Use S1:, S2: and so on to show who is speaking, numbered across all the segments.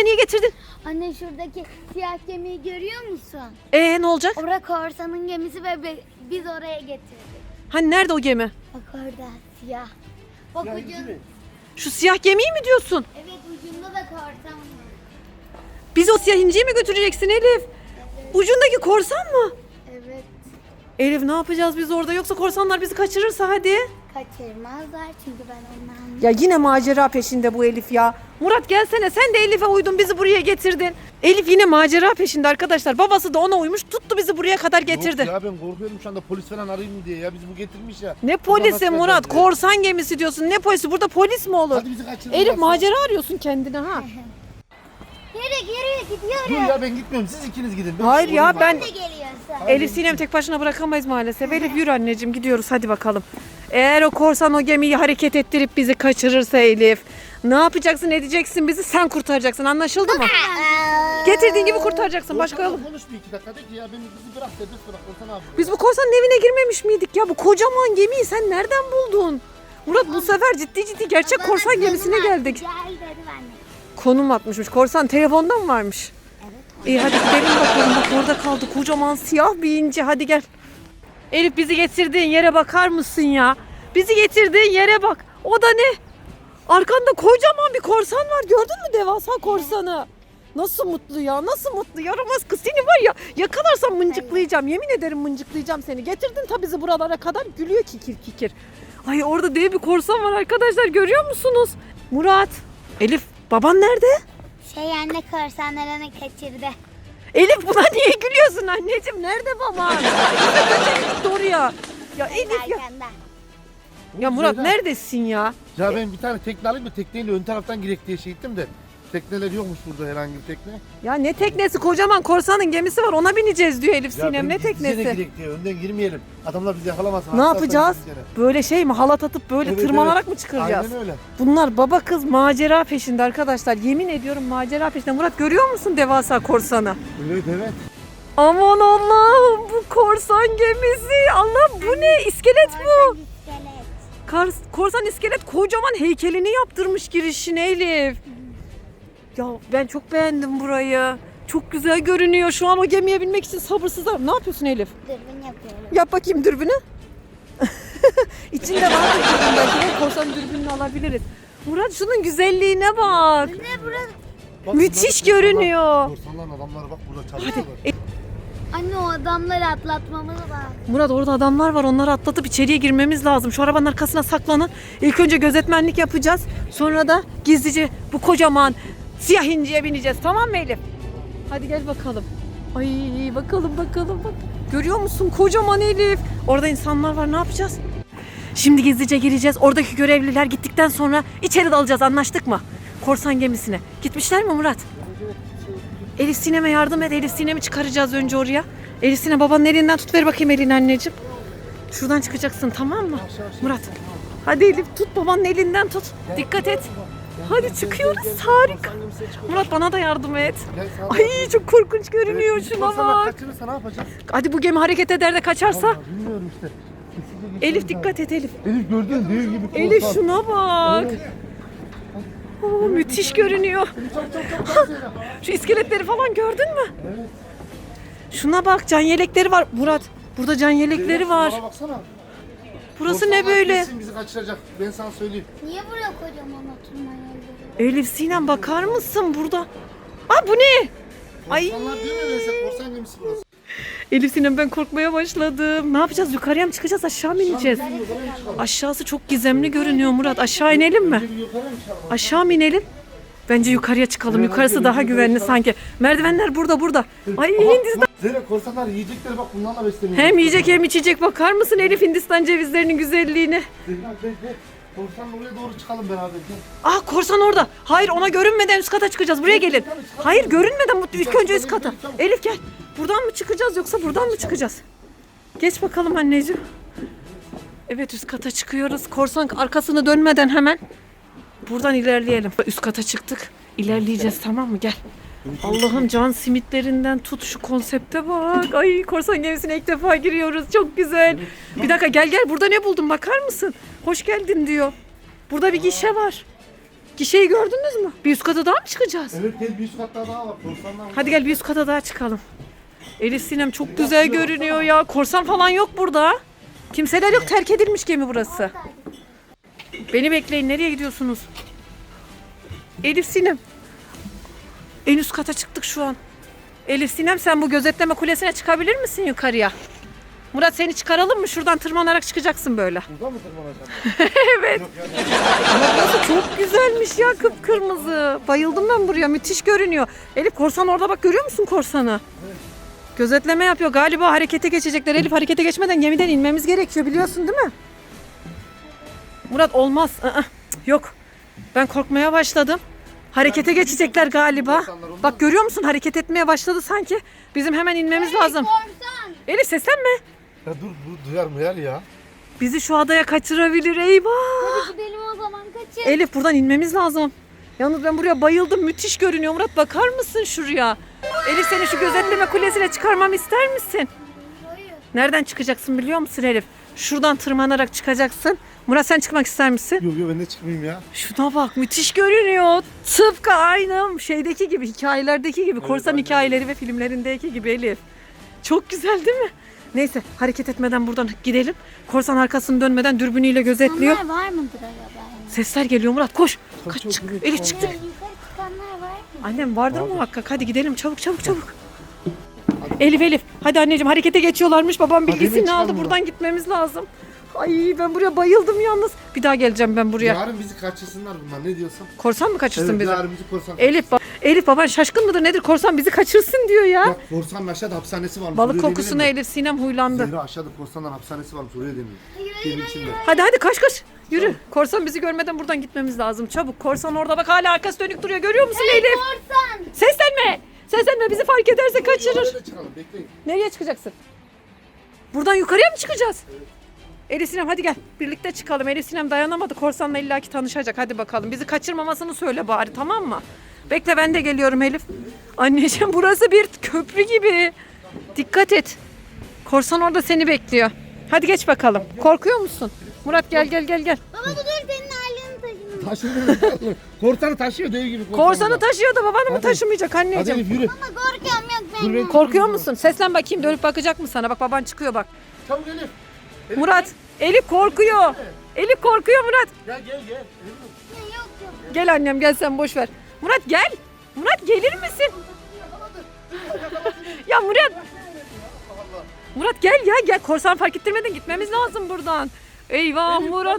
S1: niye getirdin?
S2: Anne şuradaki siyah gemiyi görüyor musun?
S1: Ne olacak?
S2: Orada korsanın gemisi ve biz oraya getirdik.
S1: Hani nerede o gemi?
S2: Bak orada siyah. Bak ucun.
S1: Şu siyah gemiyi mi diyorsun?
S2: Evet ucunda da korsan var.
S1: Biz o siyah inciyi mi götüreceksin Elif?
S2: Evet.
S1: Ucundaki korsan mı?
S2: Evet.
S1: Elif ne yapacağız biz orada? Yoksa korsanlar bizi kaçırırsa hadi.
S2: Kaçırmazlar çünkü ben ondan.
S1: Ya yine macera peşinde bu Elif ya. Murat gelsene, sen de Elif'e uydun, bizi buraya getirdin. Elif yine macera peşinde arkadaşlar. Babası da ona uymuş, tuttu bizi buraya kadar getirdi.
S3: Yok ya, ben korkuyorum şu anda, polis falan arayayım mı diye ya, bizi bu getirmiş ya.
S1: Ne
S3: Buradan
S1: polisi
S3: nasıl
S1: Murat?
S3: kaçacağız ya?
S1: Korsan gemisi diyorsun. Ne polisi? Burada polis mi olur?
S3: Hadi bizi kaçırın.
S1: Elif macera arıyorsun kendine ha.
S2: Yürü gidiyoruz.
S3: Dur ya, ben gitmiyorum, siz ikiniz gidin.
S1: Hayır ya,
S3: olayım
S1: ben
S2: Ne geliyorsun?
S1: Elif Sinem tek başına bırakamayız maalesef. Elif yürü anneciğim, gidiyoruz hadi bakalım. Eğer o korsan o gemiyi hareket ettirip bizi kaçırırsa Elif, ne yapacaksın, edeceksin, bizi sen kurtaracaksın, anlaşıldı mı? Getirdiğin gibi kurtaracaksın, başka yolu.
S3: Konuş bir iki dakika, de ki ya, bizi bırak, serbest bırak, olsan abi.
S1: Biz bu korsanın evine girmemiş miydik ya? Bu kocaman gemiyi sen nereden buldun? Murat bu sefer ciddi gerçek korsan gemisine geldik.
S2: Gel dedim anne.
S1: Konum atmışmış. Korsan telefonda mı varmış?
S2: Evet.
S1: İyi hadi gidelim bakalım. Bak orada kaldı kocaman siyah bir inci. Hadi gel. Elif bizi getirdiğin yere bakar mısın ya? Bizi getirdiğin yere bak. O da ne? Arkanda kocaman bir korsan var. Gördün mü devasa korsanı? Nasıl mutlu ya? Nasıl mutlu? Yaramaz kız, seni var ya, yakalarsam mıncıklayacağım. Yemin ederim mıncıklayacağım seni. Getirdin tabii bizi buralara kadar. Gülüyor kikir kikir. Ay orada dev bir korsan var arkadaşlar. Görüyor musunuz? Murat. Elif, baban nerede?
S2: Anne korsanlarını kaçırdı.
S1: Elif buna niye gülüyorsun anneciğim? Nerede baban? Gitti oraya. Ya Elif ya.
S2: Arkanda.
S1: Ya Murat
S3: Zehra.
S1: neredesin ya?
S3: Ya ben bir tane tekne alayım mı, tekneyle ön taraftan girek diye şey ettim de. Tekneler yokmuş burada, herhangi bir tekne.
S1: Ya ne teknesi, kocaman korsanın gemisi var, ona bineceğiz diyor Elif
S3: Ya
S1: Sinem. Ne
S3: ben gizlice de
S1: teknesi?
S3: girek diye, önden girmeyelim. Adamlar bizi yakalamasın.
S1: Ne
S3: Hatta
S1: yapacağız?
S3: gizlice.
S1: Böyle şey mi, halat atıp böyle
S3: Evet,
S1: tırmanarak
S3: evet.
S1: mı çıkaracağız?
S3: Aynen öyle.
S1: Bunlar baba kız macera peşinde arkadaşlar. Yemin ediyorum macera peşinde. Murat görüyor musun devasa korsanı?
S3: Evet evet.
S1: Aman Allah'ım, bu korsan gemisi. Allah bu ne? İskelet bu.
S2: İskelet.
S1: Korsan iskelet kocaman heykelini yaptırmış girişine Elif. Ya ben çok beğendim burayı. Çok güzel görünüyor. Şu an o gemiye binmek için sabırsızım. Ne yapıyorsun Elif?
S2: Dürbün yapıyorum.
S1: Yap bakayım dürbünü. İçinde vardır dürbün belki de. Korsan dürbününü alabiliriz. Murat şunun güzelliğine bak.
S2: Ne burası?
S3: Bak,
S1: Müthiş
S3: bunlar-
S1: görünüyor.
S3: Korsanların adamları bak burada çalışıyorlar.
S2: Anne o adamları atlatmamız lazım.
S1: Murat orada adamlar var. Onları atlatıp içeriye girmemiz lazım. Şu arabanın arkasına saklanın. İlk önce gözetmenlik yapacağız. Sonra da gizlice bu kocaman siyah inciye bineceğiz. Tamam mı Elif? Hadi gel bakalım. Ay bakalım. Bak. Görüyor musun? Kocaman Elif. Orada insanlar var. Ne yapacağız? Şimdi gizlice gireceğiz. Oradaki görevliler gittikten sonra içeri dalacağız. Anlaştık mı? Korsan gemisine. Gitmişler mi Murat? Elif Sinem'e yardım et. Elif Sinem'i çıkaracağız önce oraya. Elif Sinem babanın elinden tut, ver bakayım elini anneciğim. Şuradan çıkacaksın, tamam mı? Murat. Hadi Elif tut, babanın elinden tut. Dikkat et. Hadi çıkıyoruz. Harika. Murat bana da yardım et.
S3: Gel, sağ ol.
S1: Ay çok korkunç görünüyor.
S3: Evet,
S1: Şuna
S3: korsanlar
S1: bak.
S3: kaçırırsa ne yapacağız?
S1: Hadi bu gemi hareket eder de kaçarsa.
S3: Vallahi bilmiyorum işte. Kesinlikle
S1: Elif
S3: geçeriz
S1: dikkat et Elif.
S3: abi. Elif gördün dev gibi korsan.
S1: Elif şuna bak. Oo, müthiş görünüyor.
S3: Çok.
S1: Şu iskeletleri falan gördün mü?
S3: Evet.
S1: Şuna bak, can yelekleri var. Murat burada can yelekleri var.
S3: Bana baksana.
S1: Burası ne
S3: Korsanlar
S1: böyle?
S3: kesin bizi kaçıracak. Ben sana söyleyeyim.
S2: Niye buraya kocaman oturma yerleri?
S1: Elif Sinem bakar mısın burada? Aa bu ne? Ay.
S3: Korsanlar değil mi? Mesela korsan gemisi burası.
S1: Elif Sinem ben korkmaya başladım. Ne yapacağız? Yukarıya mı çıkacağız? Aşağı mı ineceğiz? Aşağısı çok gizemli görünüyor Murat. Aşağı inelim mi?
S3: Önce bir yukarı mı çıkalım?
S1: Aşağı mı inelim? Bence yukarıya çıkalım.
S3: Evet,
S1: Yukarısı
S3: hadi
S1: daha
S3: yukarı
S1: güvenli
S3: çıkalım.
S1: sanki. Merdivenler burada. Ay
S3: Aha,
S1: Hindistan.
S3: bak, Zehra, korsanlar yiyecekleri bak, bunlarla besleniyor.
S1: Hem yiyecek hem içecek. Bakar mısın Elif Hindistan cevizlerinin güzelliğine?
S3: Zehra gel. Korsanla oraya doğru çıkalım beraber. Gel.
S1: Ah korsan orada. Hayır, ona görünmeden üst kata çıkacağız. Buraya gelin. Hayır, görünmeden ilk önce üst kata. Elif gel. Buradan mı çıkacağız yoksa buradan mı çıkacağız? Geç bakalım anneciğim. Evet, üst kata çıkıyoruz. Korsan arkasını dönmeden hemen buradan ilerleyelim. Üst kata çıktık. İlerleyeceğiz, tamam mı? Gel. Allah'ım can simitlerinden tut, şu konsepte bak. Ay korsan gemisine ilk defa giriyoruz. Çok güzel. Bir dakika gel. Burada ne buldun bakar mısın? Hoş geldin diyor. Burada bir gişe var. Gişeyi gördünüz mü? Bir üst kata daha mı çıkacağız?
S3: Evet gel bir üst katta daha var. Korsanlar var.
S1: Hadi gel bir üst kata daha çıkalım. Elif Sinem çok güzel görünüyor ya. Korsan falan yok burada. Kimseler yok, terk edilmiş gemi burası. Beni bekleyin, nereye gidiyorsunuz? Elif Sinem. En üst kata çıktık şu an. Elif Sinem sen bu gözetleme kulesine çıkabilir misin yukarıya? Murat seni çıkaralım mı? Şuradan tırmanarak çıkacaksın böyle.
S3: Burada mı tırmanacağım?
S1: Evet. Ama burası çok güzelmiş ya, kıpkırmızı. Bayıldım ben buraya, müthiş görünüyor. Elif korsan orada bak, görüyor musun korsanı?
S3: Evet.
S1: Gözetleme yapıyor. Galiba harekete geçecekler. Elif harekete geçmeden gemiden inmemiz gerekiyor, biliyorsun değil mi? Murat olmaz. Yok. Ben korkmaya başladım. Harekete geçecekler galiba. Bak görüyor musun? Hareket etmeye başladı sanki. Bizim hemen inmemiz lazım.
S2: Korsan.
S1: Elif seslenme.
S3: Ya dur bu duyar ya.
S1: Bizi şu adaya kaçırabilir. Eyvah.
S2: Hadi gidelim o zaman, kaçın.
S1: Elif buradan inmemiz lazım. Yalnız ben buraya bayıldım. Müthiş görünüyor. Murat bakar mısın şuraya? Elif seni şu gözetleme kulesine çıkarmamı ister misin?
S2: Hayır.
S1: Nereden çıkacaksın biliyor musun Elif? Şuradan tırmanarak çıkacaksın. Murat sen çıkmak ister misin?
S3: Yok ben de çıkmayayım ya.
S1: Şuna bak, müthiş görünüyor. Tıpkı aynı şeydeki gibi, hikayelerdeki gibi. Korsan
S3: aynen.
S1: hikayeleri ve filmlerindeki gibi Elif. Çok güzel değil mi? Neyse hareket etmeden buradan gidelim. Korsan arkasını dönmeden dürbünüyle gözetliyor.
S2: Onlar var mıdır acaba?
S1: Sesler geliyor Murat, koş. Kaç
S3: çok
S1: çık.
S3: güzel.
S1: Elif çıktık.
S2: Yukarı çıkanlar var mı?
S1: Annem vardır muhakkak. Hadi gidelim çabuk. Elif. Hadi anneciğim, harekete geçiyorlarmış. Babam
S3: Hadi
S1: bilgisini
S3: hemen
S1: aldı.
S3: çıkalım
S1: Buradan gitmemiz lazım. Ay ben buraya bayıldım yalnız. Bir daha geleceğim ben buraya.
S3: Yarın bizi kaçırsınlar bunlar, ne diyorsun?
S1: Korsan mı kaçırsın
S3: Evet
S1: bizi?
S3: yarın bizi korsan
S1: Elif baban şaşkın mıdır nedir? Korsan bizi kaçırsın diyor ya.
S3: Bak korsanın aşağıda hapishanesi varmış.
S1: Balık
S3: oraya
S1: kokusuna
S3: deneyelim mi?
S1: Elif Sinem huylandı.
S3: Zehra aşağıda korsanların hapishanesi varmış, oraya deniyor. Geminin içinde.
S1: Hadi koş. Yürü. Korsan bizi görmeden buradan gitmemiz lazım. Çabuk. Korsan orada bak, hala arkası dönük duruyor. Görüyor musun Elif?
S2: Korsan.
S1: Seslenme, bizi fark ederse kaçırır.
S3: Oraya da çıkalım, bekleyin.
S1: Nereye çıkacaksın? Buradan yukarıya mı çıkacağız? Elif Sinem hadi gel. Birlikte çıkalım. Elif Sinem dayanamadı. Korsanla illaki tanışacak. Hadi bakalım. Bizi kaçırmamasını söyle bari, tamam mı? Bekle, ben de geliyorum Elif. Anneciğim burası bir köprü gibi. Dikkat et. Korsan orada seni bekliyor. Hadi geç bakalım. Korkuyor musun? Murat gel.
S2: Baba dur, senin aileni taşıdım.
S3: Taşıyor. Korsanı taşıyor dev gibi.
S1: Korsanı taşıyor da babanı mı
S3: Hadi.
S1: taşımayacak
S3: Hadi
S1: anneciğim?
S3: Elif yürü.
S2: Ama korkuyorum, yok
S3: Dur
S2: ben.
S3: ben.
S1: Korkuyor musun? Seslen bakayım, dönüp bakacak mı sana? Bak baban çıkıyor bak.
S3: Çabuk Elif.
S1: Murat, Elif korkuyor. Elif korkuyor Murat.
S3: Gel. Elif.
S2: Yok.
S1: Gel annem, gel sen, boş ver. Murat gel. Murat gelir misin? Ya Murat gel. Korsan fark ettirmeden gitmemiz lazım buradan. Eyvah Murat.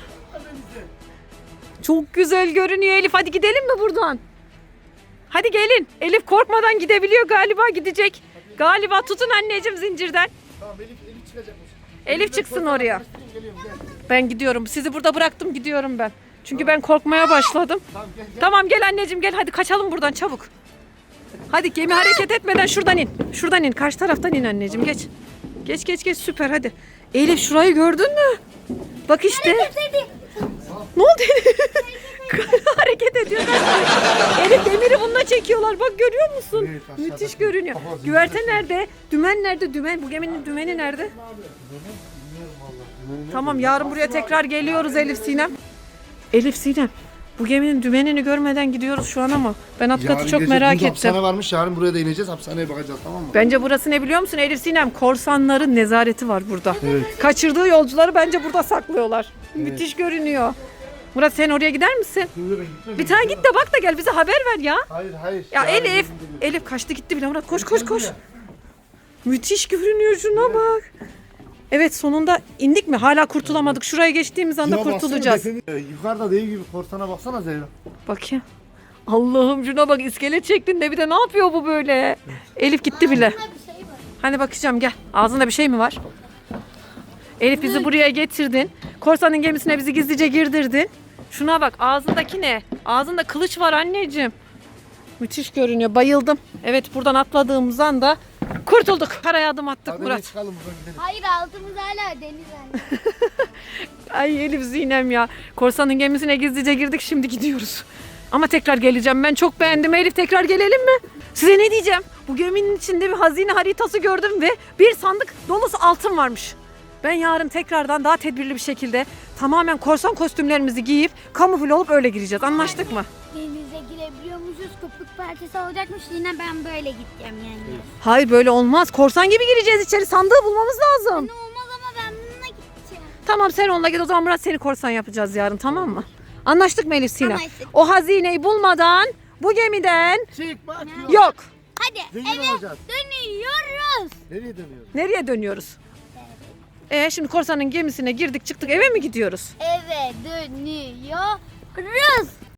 S1: Çok güzel görünüyor Elif. Hadi gidelim mi buradan? Hadi gelin. Elif korkmadan gidebiliyor galiba, gidecek. Galiba tutun anneciğim zincirden.
S3: Tamam Elif çıkacakmış.
S1: Elif çıksın
S3: korsanı
S1: oraya.
S3: karıştırayım, geliyorum, gel.
S1: Ben gidiyorum. Sizi burada bıraktım, gidiyorum ben. Çünkü ben korkmaya başladım.
S3: Tamam gel.
S1: Tamam gel anneciğim gel, hadi kaçalım buradan çabuk. Hadi gemi hareket etmeden şuradan in. Şuradan in, karşı taraftan in anneciğim, geç. Geç süper hadi. Elif şurayı gördün mü? Bak işte. Ne oldu Elif? Hareket ediyor. Elif demiri bununla çekiyorlar, bak görüyor musun?
S3: Evet, aşağıda.
S1: Müthiş görünüyor.
S3: Aha, zincir
S1: Güverte
S3: çekiyor.
S1: nerede? Dümen nerede? Dümen. Bu geminin dümeni nerede?
S3: Bilmiyorum vallahi.
S1: Tamam yarın buraya tekrar geliyoruz Elif Sinem. Elif Sinem. Bu geminin dümenini görmeden gidiyoruz şu an ama ben alt katı
S3: Yarın
S1: çok
S3: gece
S1: merak
S3: burada
S1: ettim.
S3: Hapishane varmış, yarın buraya da ineceğiz, hapishaneye bakacağız, tamam mı?
S1: Bence burası ne biliyor musun Elif Sinem? Korsanların nezareti var burada.
S3: Evet.
S1: Kaçırdığı yolcuları bence burada saklıyorlar. Müthiş görünüyor. Murat sen oraya gider misin?
S3: Yürü, ben gitmem.
S1: Bir tane git de bak da gel, bize haber ver ya.
S3: Hayır.
S1: Ya
S3: Yarın
S1: Elif.
S3: gelin dedi.
S1: Elif kaçtı gitti bile Murat, koş.
S3: Gel buraya.
S1: Müthiş görünüyor, şuna bak. Evet sonunda indik mi? Hala kurtulamadık. Şuraya geçtiğimiz anda
S3: Şuna baksana,
S1: kurtulacağız.
S3: Yukarıda dev gibi korsana baksana Zehra.
S1: Bakayım. Allah'ım şuna bak, iskelet şeklinde, bir de ne yapıyor bu böyle? Elif gitti bile.
S2: Bunda bir şey var.
S1: Hani bakacağım, gel. Ağzında bir şey mi var? Elif bizi buraya getirdin. Korsanın gemisine bizi gizlice girdirdin. Şuna bak, ağzındaki ne? Ağzında kılıç var anneciğim. Müthiş görünüyor, bayıldım. Evet buradan atladığımız anda kurtulduk. Karaya adım attık
S3: Hadi
S1: Murat.
S3: çıkalım buradan gidelim.
S2: Hayır, altımız hala deniz anne.
S1: Ay Elif Sinem ya. Korsanın gemisine gizlice girdik, şimdi gidiyoruz. Ama tekrar geleceğim, ben çok beğendim Elif, tekrar gelelim mi? Size ne diyeceğim? Bu geminin içinde bir hazine haritası gördüm ve bir sandık dolusu altın varmış. Ben yarın tekrardan daha tedbirli bir şekilde tamamen korsan kostümlerimizi giyip kamufle olup öyle gireceğiz. Anlaştık mı?
S2: Denize girebiliyormuşuz. Köpük partisi olacakmış. Yine ben böyle gideceğim yani.
S1: Hayır böyle olmaz. Korsan gibi gireceğiz içeri. Sandığı bulmamız lazım.
S2: Ne olmaz ama ben bununla gideceğim.
S1: Tamam sen onunla git o zaman Murat seni korsan yapacağız yarın tamam mı? Anlaştık mı Elif Sinem?
S2: Anlaştık.
S1: O hazineyi bulmadan bu gemiden
S3: Çıkmak yok.
S1: yok.
S2: Hadi
S3: Zengin
S2: eve
S3: olacağız.
S2: dönüyoruz.
S3: Nereye dönüyoruz?
S1: Nereye dönüyoruz? Şimdi korsanın gemisine girdik çıktık eve mi gidiyoruz?
S2: Eve dönüyoruz.